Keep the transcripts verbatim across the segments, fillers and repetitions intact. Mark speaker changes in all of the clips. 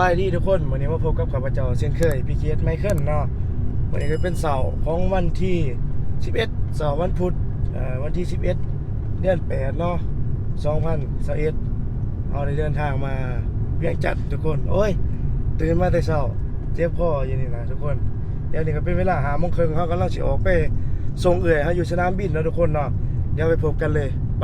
Speaker 1: บายดีทุกคนวันนี้มาพบกับข้าพเจ้าเช่นเคยพี่เคียสไมเคิลเนาะวันนี้ก็เป็นเสาร์ของวันที่สิบเอ็ดเสาร์วันพุธเอ่อวันที่สิบเอ็ดเดือนแปดเนาะสองพันยี่สิบเอ็ดเอาได้เดินทางมาเวียงจันทน์ทุกคนโอ้ยตื่นมาแต่เช้าเจ็บคออยู่นี่นะทุกคนเดี๋ยวนี้ก็เป็นเวลาหาโมงครึ่งเขากำลังสิออกไปส่งเอื่อยเขาอยู่สนามบินแล้วทุกคนเนาะเดี๋ยวไปพบกันเลยไป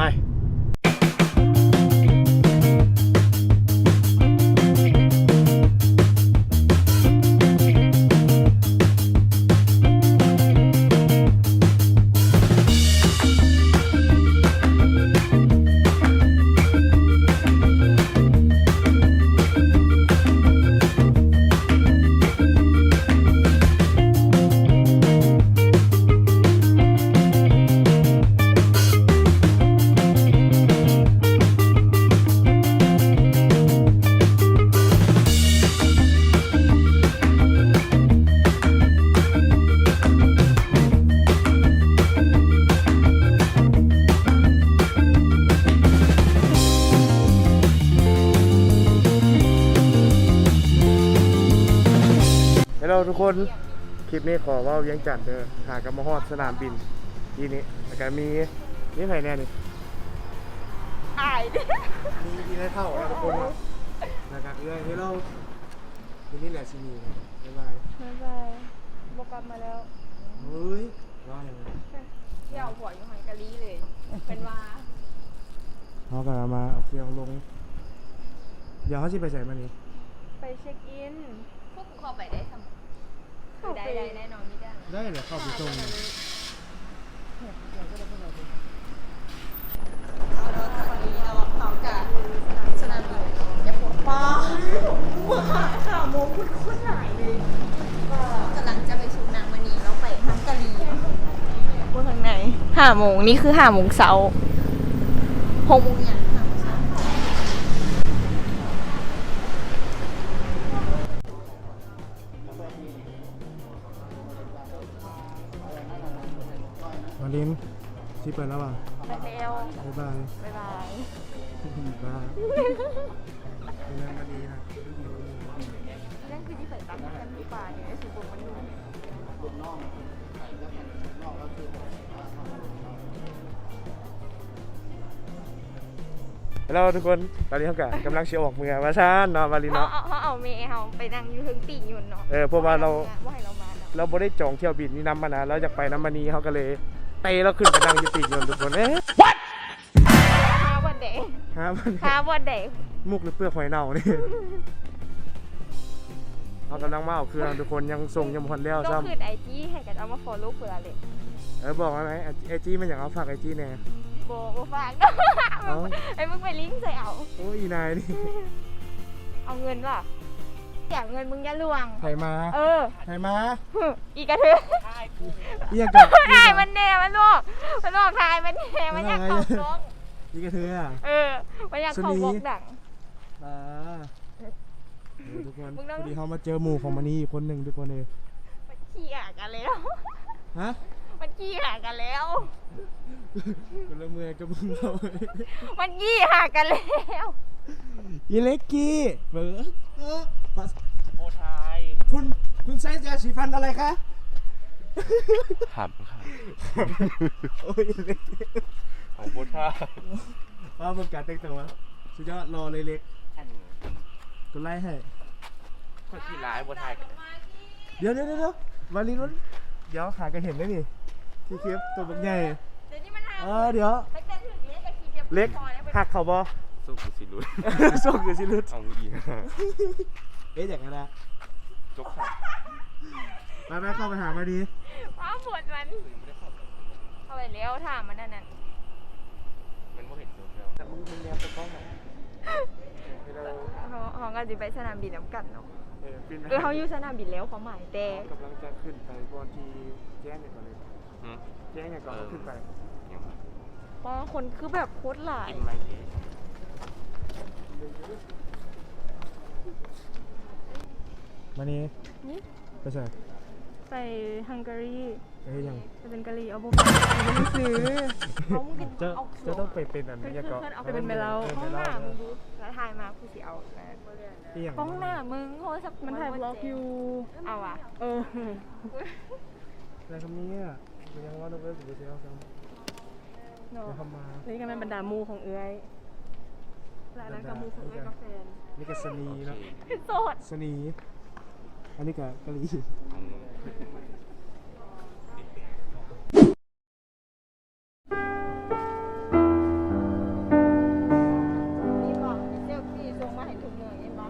Speaker 1: เราทุกคนคลิปนี้ขอว่าเวียงจันทน์เด้อหากับมาฮอดสนามบินทีนี้แล้วก็มีนี่ใครแน่นี่
Speaker 2: อายดิ
Speaker 1: มีที่ได้เท่าแล้วทุกคนเนาะนะครับเรื่องที่เราทีนี้แหละซีนีนะบ๊ายบาย
Speaker 2: บ๊ายบายบกลับมาแล้ว
Speaker 1: เฮ้ยรออย่างไร
Speaker 2: เที่ยวหัวอยู่หันกะลีเลยเป็นว่า
Speaker 1: เขากำลังมาเอาเครื่องลงเดี๋ยวเขาจะไปใส่มานี่
Speaker 2: ไปเช็คอิน
Speaker 3: พวกกูเข้าไปได้ทำคือได้ได้แน่นอนนี่ได้
Speaker 1: ได้เลยเข้าไปตรงนี้
Speaker 3: เขากับสนามบินอย่าปวดป้าหัวขาขาโมคุ้นคุ้นหลายเลยกำลังจะไปชูนางมณีแล้วไปฮังการี
Speaker 2: พวกทางไหนห้าโมงนี่คือห้าโมงเช้า
Speaker 3: หกโมงอย่างห้าโมงเช้า
Speaker 1: มาลินที่เปิดแล้วป่ะ
Speaker 2: ไปเร็ว
Speaker 1: บ๊ายบาย
Speaker 2: บ๊ายบาย
Speaker 1: บ้าเรื่องมาดีนะ
Speaker 2: เรื่องคือที่ใส่ตามกันที่ป่าเนี่ยสุบุญมันดู
Speaker 1: เราทุกคนตอนนี้เขากำลังเชียร์ออกเมืองมาชานเนาะมาลินเนาะ
Speaker 2: เขาเอาเมย์เขาไปนั่งอยู่ถึงปีอยู่เนาะ
Speaker 1: เออเพราะว่าเรา
Speaker 2: ว่าให้เรามา
Speaker 1: เราไม่ได้จองเที่ยวบินนี่นำมานะเราอยากไปน้ำมันนี้เขาก็เลยเตะเราขึ้นไปนั่งอยู่ปีกยนต์ทุกคนเอ๊ะ what
Speaker 2: ฮาวันเดย์
Speaker 1: ฮาวัน
Speaker 2: ฮาวันเดย์
Speaker 1: มุกหรือเปลือกหอยเน่านี่เขากำลังมาเอาเครื่องทุกคนยังส่งยังพันแล้ว
Speaker 2: ซ้ำก็คือไอจีให้กันเอามาฟอลโล่เผื่อเลย
Speaker 1: เออบอกไหมไอจีมันอยากเอาฝากไอจีแน่
Speaker 2: โบโบฝากไอ้มึงไปลิงก์ใส่เอา
Speaker 1: โอ้ยนายนี่
Speaker 2: เอาเงินป่ะอยากเงินมึงอย่าลวง
Speaker 1: ไถมา
Speaker 2: เออ
Speaker 1: ไถมา
Speaker 2: อีกระเทือ
Speaker 1: เรียกกับ
Speaker 2: ทายมันแน่มันลวกมันลวกทายมันแน่มันอยากเข้าบล็อก
Speaker 1: อีกระเทือ
Speaker 2: เออมันอยากเข้าบล็อกดัง
Speaker 1: อ่าทุกคนพอดีเขามาเจอหมู่ของมันนี่คนหนึ่งทุกคนเลย
Speaker 2: มันขี้หากันแล้ว
Speaker 1: ฮะ
Speaker 2: มันขี้หากันแล้ว
Speaker 1: กูเริ่มเมื่อยกับมึงเรา
Speaker 2: มันขี้หากันแล้ว
Speaker 1: อีเล็กกี้เบิร์ด
Speaker 4: โอทาย
Speaker 1: คุณคุณใช้ยาสีฟันอะไรคะ
Speaker 4: หับครับ
Speaker 1: โอ้ยเล็ก
Speaker 4: ของโอทาย
Speaker 1: ว่ามึงการแต่งตัวสุดยอดรอเลยเล็กกูไล่ให้
Speaker 4: คนที่ร้ายโอทายกัน
Speaker 1: เดี๋ยวเดี๋ยวเดี๋ยววาลีนู้นเดี๋ยวหากันเห็นได้ดิที่คลิปตัวบักใหญ่เออเดี๋ยวเล็กหักเขาบอ
Speaker 4: สู้กูสิลุด
Speaker 1: สู้กูสิลุด
Speaker 4: เอาอีก
Speaker 1: เอ๊ะอย่างนั้นนะ
Speaker 4: จกขา
Speaker 1: ไปไปเข้าไปหามาดี
Speaker 2: ว้าปวดมันเข้าไปเลี้ยวถามมันนั่นน่ะ
Speaker 4: มันไม่เห็นโซเชียล
Speaker 1: แต่มึงมึงแนวตะก้อง
Speaker 2: เขาเขาก็จะไปสนามบินน้ำกันเนาะ
Speaker 1: เออ
Speaker 2: เออเขาอยู่สนามบินแล้วเขาหมายแต่
Speaker 1: กำลังจะขึ้นไปก่อนที่แจ้งเนี่ยก่อนเลยแจ้งเนี่ยก่อนขึ้นไป
Speaker 2: เพราะคนคือแบบโคตรหลาย
Speaker 1: มานี่ไปใส่
Speaker 2: ไปฮังการี
Speaker 1: เฮ้ยยัง
Speaker 2: จะเป็นกะหรี่เอาบุฟเฟ่ต์หนังสือเขามึงกิน
Speaker 1: จะ
Speaker 2: เอา
Speaker 1: จะต้องไปเป็นอัน
Speaker 2: เพื่
Speaker 1: นี้
Speaker 2: อน
Speaker 1: ก็
Speaker 2: เพื่อนเอาไปเป็นเมลา
Speaker 1: เออ
Speaker 2: ห้อง
Speaker 1: เม
Speaker 2: ห
Speaker 1: ลา
Speaker 2: น้ามึงดูแล้วถ่ายมากูสิเอานะ
Speaker 1: ที่อย่าง
Speaker 2: ห้องหน้ามึงโทรศัพท์มันถ่ายบล็อกอยู่เอาอ่ะเออ
Speaker 1: อะไรคำนี้อ่ะเป็นยังว่าต้องไปสุดเสียวกัน
Speaker 2: เนาะ
Speaker 1: เดี๋ยวเข้ามา
Speaker 2: นี่ก็เป็นบรรดามูของเอื้อยและนั่นก็มูของเอื้อยกาแฟน
Speaker 1: นี่ก็สนี
Speaker 4: โอ
Speaker 1: เนาะ
Speaker 4: เค
Speaker 2: โสด
Speaker 1: สนีอันนี้ก็กะหรี่
Speaker 4: อืม
Speaker 3: นี่บอกเซลฟี่ส่งมาให้ทุกเมืองเห็นบ่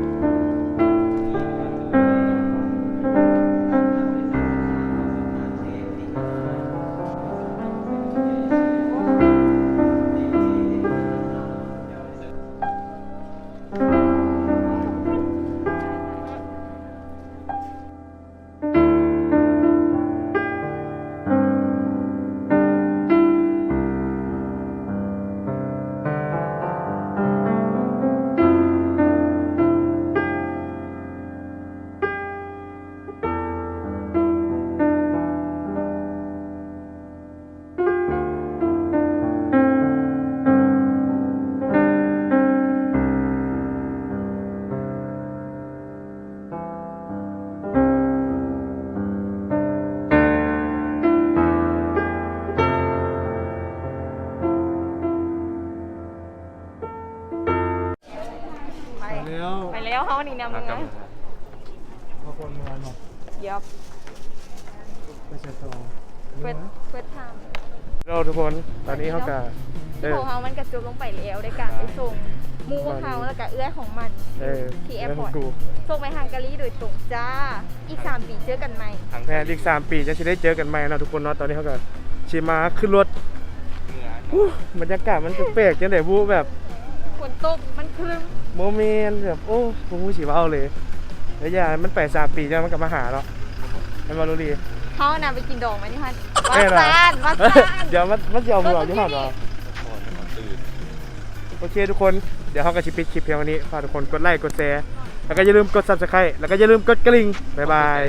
Speaker 2: ไป
Speaker 1: ไปแล้ว
Speaker 2: ไปแล้วเขานี่นำ
Speaker 4: มากลับ
Speaker 2: ไง
Speaker 4: มา
Speaker 1: พอคนมาเนาะ
Speaker 2: เดี๋ยว
Speaker 1: ไปเช็ดต่อ
Speaker 2: เปิดเปิดทาง
Speaker 1: เราทุกคนตอนนี้เขากะเอ
Speaker 2: ที่
Speaker 1: อ
Speaker 2: ของเขามันกระจุกลงไปแล้วในการไปส่งมูของเขาแล้วก็เอื้อยของมัน
Speaker 1: เออ
Speaker 2: ที่แอ
Speaker 1: แล้
Speaker 2: ร์
Speaker 1: ว
Speaker 2: พอร์ต
Speaker 1: กู
Speaker 2: ส่งไปฮังการีโดยตรงจ้า อีกสามปีเจอกันใหม่
Speaker 4: ทาง
Speaker 1: แทนอีกสามปีจะสิได้เจอกันใหม่เนาะทุกคนเนาะตอนนี้เขาก็ชิมาขึ้นรถ
Speaker 4: เหนือ
Speaker 1: อู้บรรยากาศมันแปลกๆจังได๋บูแบบ
Speaker 2: ฝนตกมันครึ้ม
Speaker 1: โมเมนต์แบบโอ้ผมรู้สิว่าเอาเลยแล้วอย่ามันไปสามปีจะมันกลับมาหาเนาะให้มารู้ดี
Speaker 2: เขาน่ะไปกินดองไหมนี่ฮันวั
Speaker 1: แน่
Speaker 2: ด
Speaker 1: นอน
Speaker 2: ซานวัดซาน
Speaker 1: เดี๋ยวมันมันจะเอาหัวอยู่หันวะ
Speaker 4: ก่อนก่อนตื่น
Speaker 1: โอเคทุกคนเดี๋ยวเขาก็จะปิดคลิปเพียงวันนี้ฝากทุกคนกดไลค์กดแชร์แล้วก็อย่าลืมกด Subscribe แล้วก็อย่าลืมกดกระดิ่งบ๊ายบาย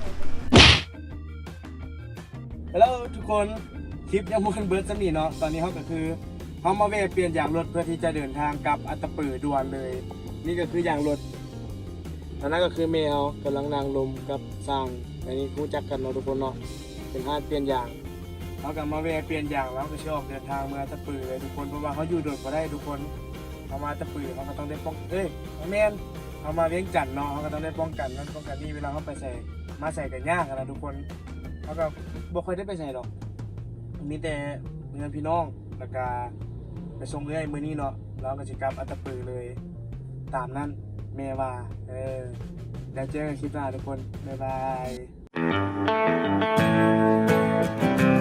Speaker 1: ฮัลโหลทุกคนคลิปยังมันเบิร์ดสำนีเนาะตอนนี้เขาก็คือเขามาเวะเปลี่ยนยางรถเพื่อที่จะเดินทางกลับอัตตปือด่วนเลย นี่ก็คือยางรถอันนั้นก็คือเมลกำลังนางลมกับสร้างอันนี้รู้จักกันเนาะทุกคนเนาะเป็นห้านเปลี่ยนยางเขากลับมาเวะเปลี่ยนยางแล้วก็ชอบเดินทางเมืองอัตตปือเลยทุกคนเพราะว่าเขาอยู่โดดก็ได้ทุกคนเขามาอัตตปือเขาก็ต้องได้ป้องเอ้ยแมนเขามาเวียงจันทน์เนาะเขาก็ต้องได้ป้องกันนั่นป้องกันนี่เวลาเขาไปใส่มาใส่กันยากนะทุกคนเขาก็บ่ค่อยได้ไปใส่หรอกมีแต่เงินพี่น้องแล้วก็ไปส่งเรื่อยมือนี้เนาะแล้วก็จะกลับอัตตปือเลยตามนั้นเมว่าเออเดี๋ยวเจอกันคลิปหน้าทุกคนบ๊ายบาย